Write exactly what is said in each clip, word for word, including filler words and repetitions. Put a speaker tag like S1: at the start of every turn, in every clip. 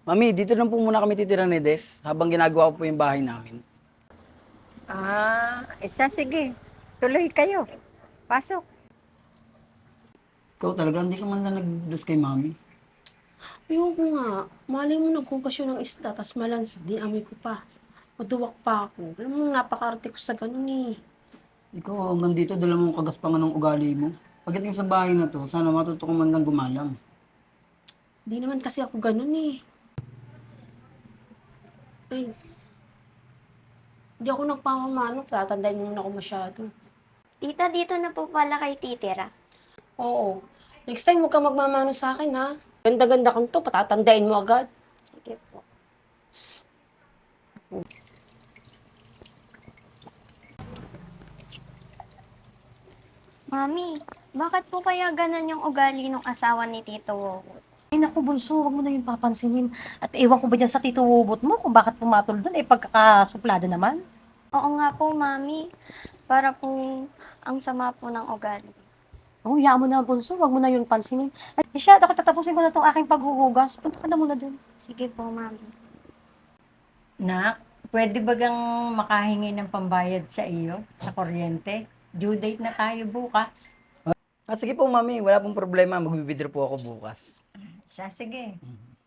S1: Mami, dito lang po muna kami titira ni Des habang ginagawa ko po yung bahay namin.
S2: Ah, isa sige. Tuloy kayo. Pasok.
S1: Ikaw talaga, hindi ka man lang nag-bless kay Mami.
S3: Ayoko nga. Malay mo naghugas yun ng isda, tas malansa. Dinamoy ko pa. Maduwak pa ako. Alam mo, napakarte ko sa ganun eh.
S1: Ikaw hanggang dito, dala mong kagaspangan ng ugali mo. Pagdating sa bahay na to, sana matuto ka man lang gumalang.
S3: Di naman kasi ako ganun eh. Ay. Di ako nagpapamano. Tatandaan mo na ako masyado.
S4: Tita, dito na po pala kay titira.
S3: Oo. Next time, huwag kang magmamano sa akin ha. Ganda-ganda kang to, patatandain mo agad.
S4: Sige po. Mami, bakit po kaya ganan yung ugali ng asawa ni Tito Wowo?
S5: Ay naku, bunso, wag mo na yung papansinin. At ewan ko ba dyan sa tito Wobot mo kung bakit pumatol doon, eh pagkakasuplada naman.
S4: Oo nga po, Mami. Para po ang sama po ng ugali.
S5: Oh, hayaan mo na, bunso, wag mo na yun pansinin. Ay, siya, ako tatapusin ko na itong aking paghuhugas. Punta ka na muna doon.
S4: Sige po, Mami.
S2: Nak, pwede ba gang makahingi ng pambayad sa iyo, sa kuryente? Due date na tayo bukas.
S1: Ah, sige po, Mami, wala pong problema. Magbibidro po ako bukas.
S2: Sa sige.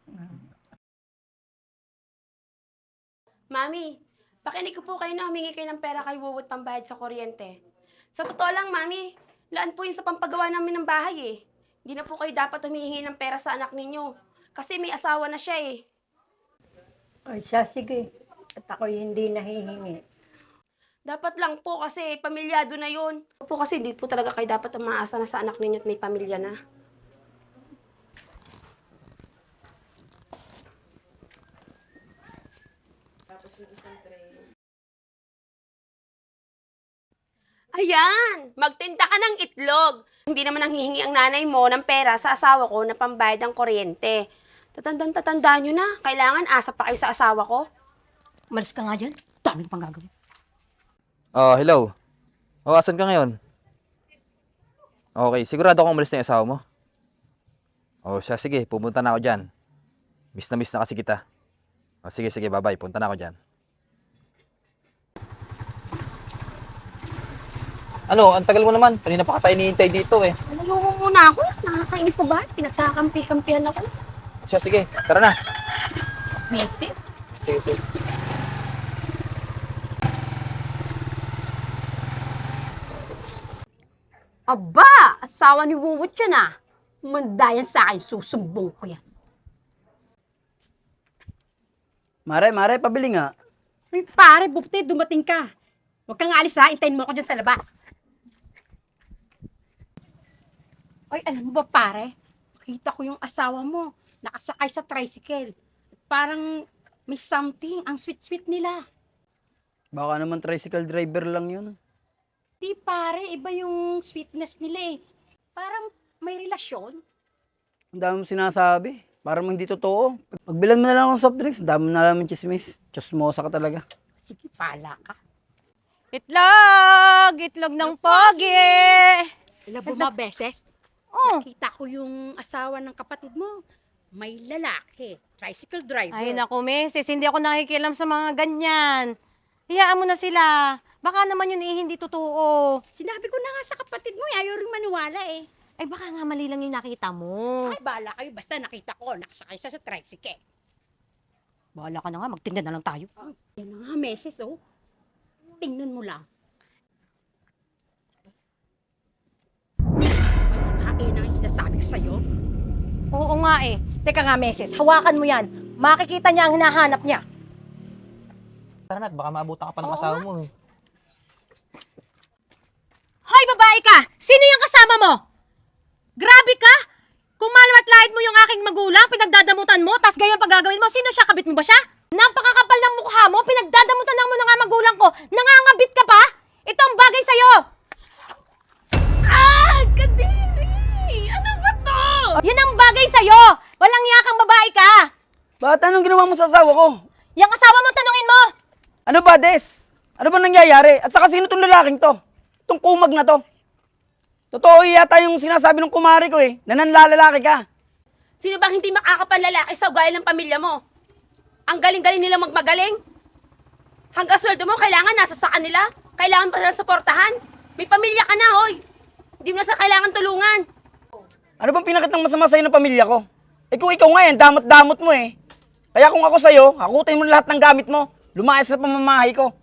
S3: Mami, pakinig ko po kayo na humingi kayo ng pera kay Wuwot pambayad sa kuryente. Sa totoo lang, Mami, laan po yun sa pampagawa namin ng bahay eh. Hindi na po kayo dapat humihingi ng pera sa anak ninyo. Kasi may asawa na siya eh.
S2: Ay, sa sige. At ako hindi nahihingi.
S3: Dapat lang po kasi pamilyado na yun. Po kasi hindi po talaga kayo dapat umaasa na sa anak ninyo at may pamilya na. Ayan! Magtinda ka ng itlog. Hindi naman nanghihingi ang nanay mo ng pera sa asawa ko na pambayad ng kuryente. Tatandang tatandaan nyo na. Kailangan asa pa kayo sa asawa ko.
S5: Umalis ka nga dyan. Dami ko pang gagawin.
S6: Oh, hello. Oh, asan ka ngayon? Okay, sigurado kang umalis na yung asawa mo? Oh, siya, sige, pupunta na ako dyan. Miss na miss na kasi kita. Oh, sige, sige, bye-bye. Punta na ako dyan. Ano, ang tagal mo naman. Kanina pa ka tayo hinihintay dito eh.
S3: Ayaw mo muna ako. Nakakainis sa bahay. Pinagkakampi-kampihan ako.
S6: Siya, sige, tara na.
S3: Missy?
S6: Sige, sige.
S7: Aba! Asawa ni Wuwot yan ah. Mandayan sa akin, susumbong ko yan.
S1: Mare, Mare, pabili nga.
S7: Uy, pare, bukti, dumating ka. Huwag kang alis ha, intayin mo ako dyan sa labas. Ay, alam mo ba pare? Nakita ko yung asawa mo, nakasakay sa tricycle. Parang may something, ang sweet-sweet nila.
S1: Baka naman tricycle driver lang yun.
S7: Di pare, iba yung sweetness nila eh. Parang may relasyon.
S1: Ang dami mong sinasabi. Parang hindi totoo. Pagbilan mo na lang ng soft drinks, ang dami mo na lang ng chismis. Chismosa ka talaga.
S7: Sige, pala ka.
S8: Itlog! Itlog ng pogi!
S7: Alam mo ba, beses?
S8: Oh.
S7: Nakita ko yung asawa ng kapatid mo. May lalaki, tricycle driver.
S8: Ay naku, misis, hindi ako nakikialam sa mga ganyan. Hayaan mo na sila. Baka naman yun eh, hindi totoo.
S7: Sinabi ko na nga sa kapatid mo, eh, ayaw rin maniwala eh.
S8: Ay baka nga mali lang yung nakita mo.
S7: Ay, bahala kayo. Basta nakita ko, nakasakay siya sa tricycle.
S8: Bahala ka na nga, magtinda na lang tayo.
S7: Yan na nga, meses, oh. Tingnan mo lang. Ay, na nga yung sinasabi ko sa'yo.
S8: Oo nga eh. Teka nga, meses, hawakan mo yan. Makikita niya ang hinahanap niya.
S6: Tara na, baka maabutan ka pa ng asawa mo eh.
S8: Hoy, babae ka! Sino yung kasama mo? Grabe ka! Kung malawat-lait mo yung aking magulang, pinagdadamutan mo, tas ganyan pag gagawin mo, sino siya? Kabit mo ba siya? Napakakapal ng mukha mo, pinagdadamutan lang mo na nga magulang ko, nangangabit ka pa? Ito ang bagay sa'yo!
S3: Ah! Kadiri! Ano ba to?
S8: Yan ang bagay sa'yo! Walang yakang babae ka!
S1: Bakit anong ginawa mo sa asawa ko?
S8: Yung asawa mo, tanungin mo!
S1: Ano ba, Des? Ano ba nangyayari? At saka sino tong lalaking to? Itong kumag na to? Totoo yata yung sinasabi ng kumari ko eh, na nanlalalaki ka.
S3: Sino bang hindi makakapanlalaki sa ugali ng pamilya mo? Ang galing-galing nila magmagaling. Hanggang sweldo mo, kailangan nasa sa kanila. Kailangan pa sila suportahan. May pamilya ka na, hoy. Hindi mo na sa kailangan tulungan.
S1: Ano bang pinakit ng masama sa'yo ng pamilya ko? Eh kung ikaw nga yan, damot-damot mo eh. Kaya kung ako sa'yo, hakutin mo lahat ng gamit mo. Lumayas sa pamamahay ko.